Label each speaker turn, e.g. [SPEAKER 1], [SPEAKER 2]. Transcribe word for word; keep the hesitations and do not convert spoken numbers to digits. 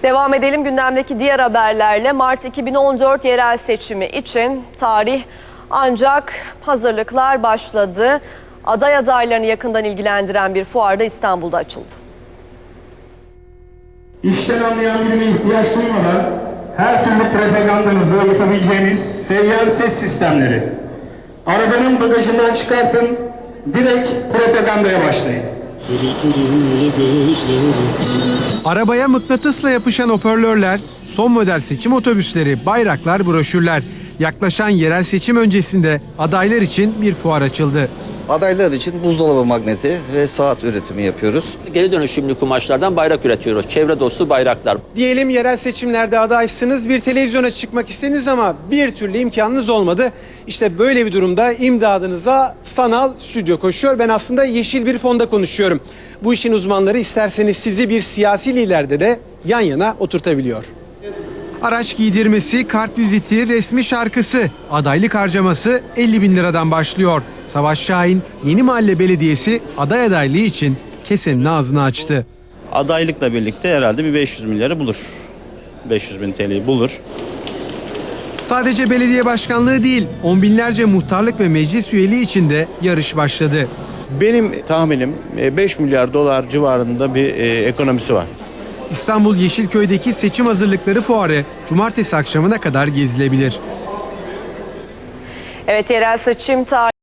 [SPEAKER 1] Devam edelim gündemdeki diğer haberlerle. Mart iki bin on dört yerel seçimi için tarih ancak hazırlıklar başladı. Aday adaylarını yakından ilgilendiren bir fuar da İstanbul'da açıldı.
[SPEAKER 2] İşten anlayan birine ihtiyaç duymadan her türlü propagandanızı yapabileceğiniz seyyar ses sistemleri. Arabanın bagajından çıkartın, direkt propagandaya başlayın.
[SPEAKER 3] Arabaya mıknatısla yapışan hoparlörler, son model seçim otobüsleri, bayraklar, broşürler. Yaklaşan yerel seçim öncesinde adaylar için bir fuar açıldı.
[SPEAKER 4] Adaylar için buzdolabı magneti ve saat üretimi yapıyoruz.
[SPEAKER 5] Geri dönüşümlü kumaşlardan bayrak üretiyoruz. Çevre dostu bayraklar.
[SPEAKER 6] Diyelim yerel seçimlerde adaysınız, bir televizyona çıkmak istediniz ama bir türlü imkanınız olmadı. İşte böyle bir durumda imdadınıza sanal stüdyo koşuyor. Ben aslında yeşil bir fonda konuşuyorum. Bu işin uzmanları isterseniz sizi bir siyasi liderde de yan yana oturtabiliyor.
[SPEAKER 3] Araç giydirmesi, kart viziti, resmi şarkısı, adaylık harcaması elli bin liradan başlıyor. Savaş Şahin, Yeni Mahalle Belediyesi aday adaylığı için kesenin ağzını açtı.
[SPEAKER 7] Adaylıkla birlikte herhalde bir beş yüz milyarı bulur. beş yüz bin T L'yi bulur.
[SPEAKER 3] Sadece belediye başkanlığı değil, on binlerce muhtarlık ve meclis üyeliği için de yarış başladı.
[SPEAKER 8] Benim tahminim beş milyar dolar civarında bir ekonomisi var.
[SPEAKER 3] İstanbul Yeşilköy'deki seçim hazırlıkları fuarı cumartesi akşamına kadar gezilebilir.
[SPEAKER 1] Evet, yerel seçim tarihi